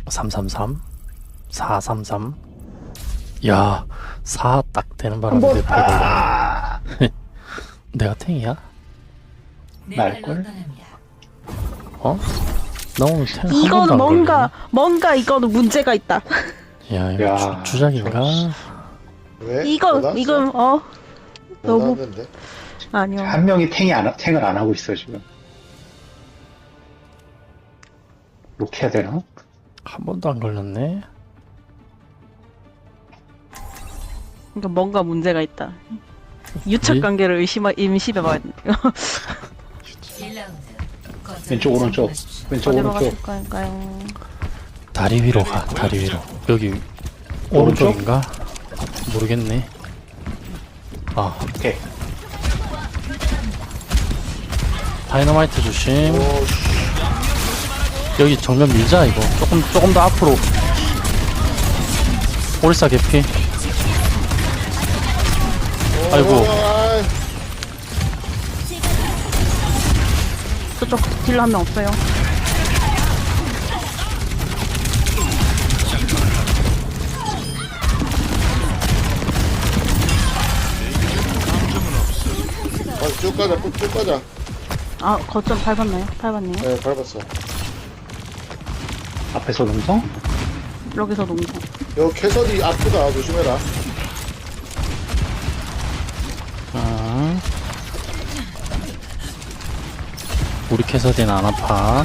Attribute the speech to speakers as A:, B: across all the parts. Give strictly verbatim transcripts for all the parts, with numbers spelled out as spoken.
A: 삼삼삼 사삼삼. 야, 사 딱 되는 바람에 내 팔 걸려. 내가 탱이야?
B: 날걸?
A: 어? 나 오늘 탱 한 번도
C: 이거는
A: 안
C: 뭔가 뭔가 이거는 문제가 있다.
A: 걸리네. 야, 이거
B: 야,
A: 주, 주작인가?
D: 왜?
C: 이거
D: 못
C: 이건 어 너무-
D: 너무
C: 아니요.
B: 한 명이 탱이 안, 탱을 안 하고 있어 지금. 이렇게 해야 되나?
A: 한 번도 안 걸렸네.
C: 그러니까 뭔가 문제가 있다. 유착 관계를 의심하 임시해봐야 돼.
B: 왼쪽 오른쪽 왼쪽
C: 어디로
B: 오른쪽
C: 가실 거니까요?
A: 다리 위로 가. 다리 위로. 여기
B: 오른쪽?
A: 오른쪽인가? 모르겠네. 아,
B: 오케이.
A: 다이너마이트 조심.
D: 오, 씨.
A: 여기 정면 밀자 이거. 조금 조금 더 앞으로. 오리사 개피. 아이고.
D: 아이,
C: 저쪽 딜러 한 명 없어요.
D: 아, 쭉 가자, 쭉, 쭉 가자.
C: 아 거점 밟았나요? 밟았네요.
D: 네, 밟았어.
B: 앞에서 능성?
C: 여기서 농구.
D: 여 캐서디 아프다, 조심해라.
A: 아. 우리 캐서디는 안 아파.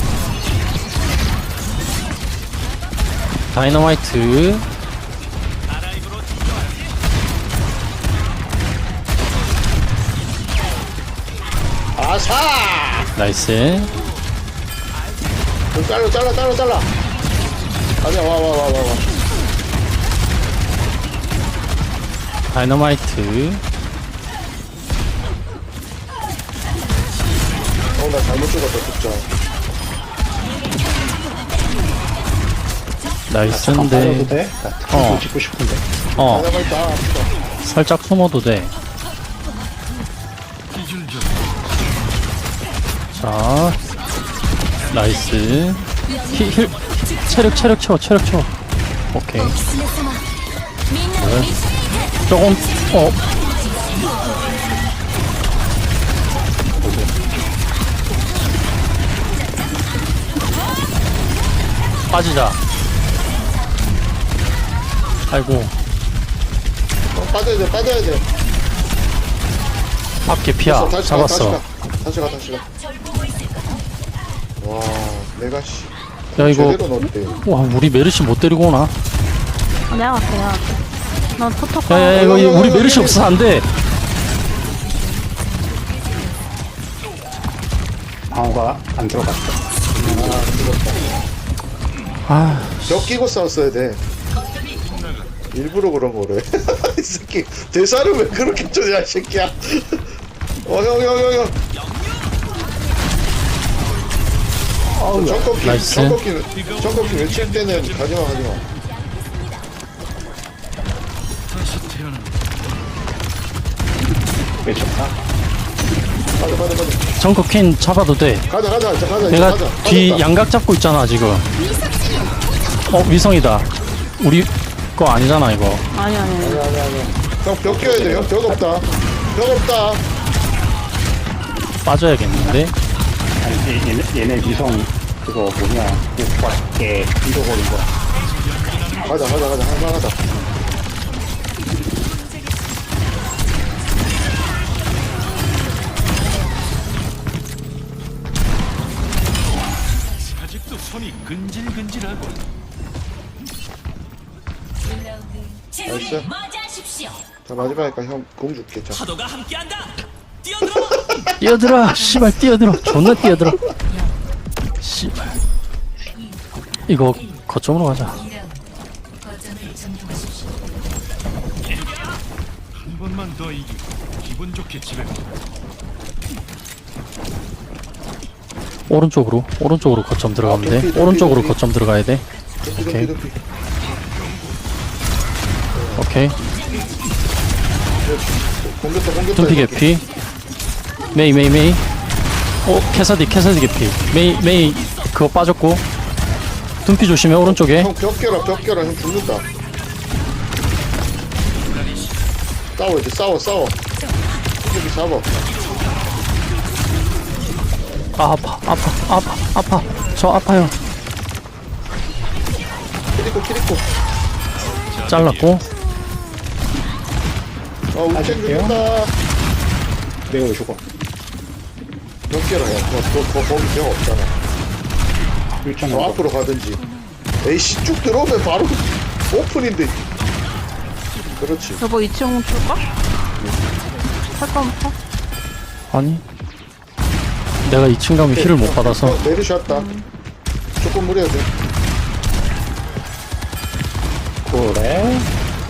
A: 다이너마이트.
D: 아사!
A: 나이스.
D: 좀 잘라, 잘라, 잘라, 잘라. 가자, 와, 와, 와, 와, 와.
A: 다이너마이트.
D: 어, 나 잘못 죽었다, 진짜.
B: 잠깐
A: 나이스인데.
B: 빠져도 돼? 나
A: 어.
B: 어. 찍고 싶은데.
A: 어,
D: 다이너마이트, 아, 아프다.
A: 살짝 숨어도 돼. 자, 나이스. 힐, 힐, 체력, 체력 채워, 체력 채워. 오케이. 네. 조금, 어. 빠지자. 아이고,
D: 어, 빠져야 돼, 빠져야 돼.
A: 앞에 피야.
D: 됐어, 다시 가, 다시
A: 잡았어.
D: 가. 다시 가, 다시 가. 와, 내가 씨.
A: 야, 이거,
D: 제대로 넣었대.
A: 와, 우리 메르시 못 데리고 오나?
C: 아, 내가 갈게 내가 갈게. 난 토토
A: 야, 야, 야, 이거, 이거 우리 메르시 없어서 안 돼.
B: 방어가 안 들어갔어.
A: 아,
D: 벽 끼고 싸웠어야 돼. 일부러 그런 거래. 이 새끼 대사를 왜 그렇게 쳐야 이 새끼야. 어, 형, 형, 형, 형.
B: 어우, 야.
D: 청꺾기,
A: 나이스.
D: 청꺾기, 청꺾기 외칠 때는 가지마, 가지마.
B: 왜 좋다?
D: 가자, 가자, 가자.
A: 정크 퀸 잡아도 돼.
D: 가자, 가자, 가자, 가자.
A: 내가
D: 가자.
A: 뒤
D: 가자.
A: 양각 잡고 있잖아, 지금. 어, 위성이다. 우리 거 아니잖아, 이거.
C: 아니 아니 아니.
D: 아니야, 아니야, 아니야. 형, 벽 껴야 돼. 형, 벽 없다. 벽 없다.
A: 빠져야겠는데?
B: 아니 얘네, 얘네 위성 그거 뭐냐 오빠께 잃어버린 거야.
D: 가자, 가자, 가자. 할만하다.
E: 아직도 손이 근질근질하고
D: 나이스. 자, 마지막이니까 형, 공 줄게. 자.
E: 파도가 함께한다. 뛰어들어.
A: 뛰어들어! 씨발, 뛰어들어! 존나 뛰어들어! 씨발. 이거, 거점으로 가자.
E: 한 번만 더 이기고 기분 좋게 집에 가.
A: 오른쪽으로, 오른쪽으로 거점 들어가면
D: 아,
A: 돼.
D: 도피, 도피,
A: 오른쪽으로
D: 도피.
A: 거점 들어가야 돼.
D: 도피,
A: 오케이.
D: 도피, 도피.
A: 오케이.
D: 공격다, 공격다.
A: 둠피
D: 이렇게.
A: 개피. 메이, 메이, 메이. 오, 캐서디, 캐서디 개피. 메이, 메이, 그거 빠졌고. 둠피 조심해 오른쪽에.
D: 형 벽 깨라 벽 깨라 형 죽는다. 싸워 이제 싸워 싸워. 여기 잡아.
A: 아, 아파 아파 아파 아파 저 아파요.
D: 키리코 키리코.
A: 잘랐고.
D: 아 우리 탱 죽는다.
B: 내가 왜 죽어?
D: 벽 깨라 야. 너, 너, 너 거기 벽 없잖아.
B: 일점
D: 저
B: 오
D: 앞으로 가든지. 에이씨 쭉 들어오면 바로 오픈인데. 그렇지.
C: 여보 이 층 줄까? 할 거면 타.
A: 아니 내가 이 층 가면 힐을 못 받아서.
D: 어, 내리셨다. 조금 무리해야 돼.
B: 그래?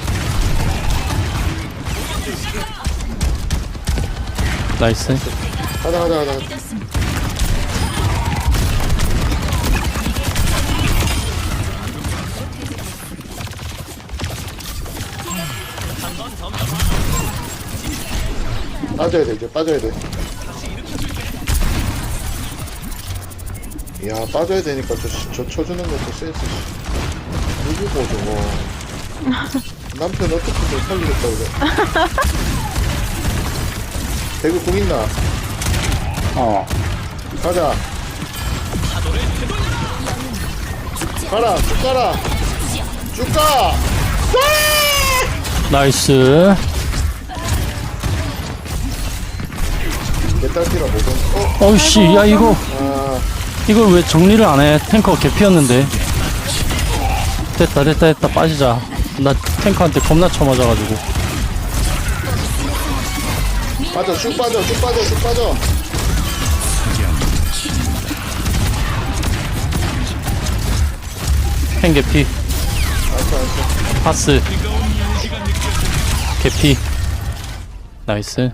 A: 나이스.
D: 가자 가자 가자. 가자. 빠져야 돼 이제 빠져야 돼. 이야 빠져야 되니까 저, 저 쳐주는 것도 센스. 누구고 저거. 남편 어떻게 좀 살리겠다 그래. 배구 공 있나?
B: 어.
D: 가자. 가라 쭉 가라. 쭉 가.
A: 나이스.
D: 메탈티라 모든. 어.
A: 어이씨 야 이거
D: 아.
A: 이걸 왜 정리를 안 해? 탱커 개피였는데. 됐다 됐다 됐다 빠지자. 나 탱커한테 겁나 쳐맞아가지고.
D: 빠져 쭉 빠져 쭉 빠져 쭉 빠져.
A: 탱 개피.
D: 알았어 알았어.
A: 파스. 개피. 나이스.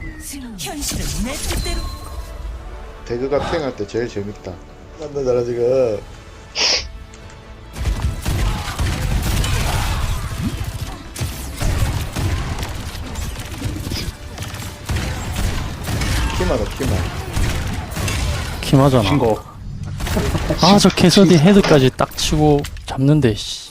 D: 배그가 탱할 때 제일 재밌다. 만나잖아 지금. 키만 키만.
A: 키마잖아.
B: 신고.
A: 아 저 캐서디 헤드까지 딱 치고 잡는데 씨.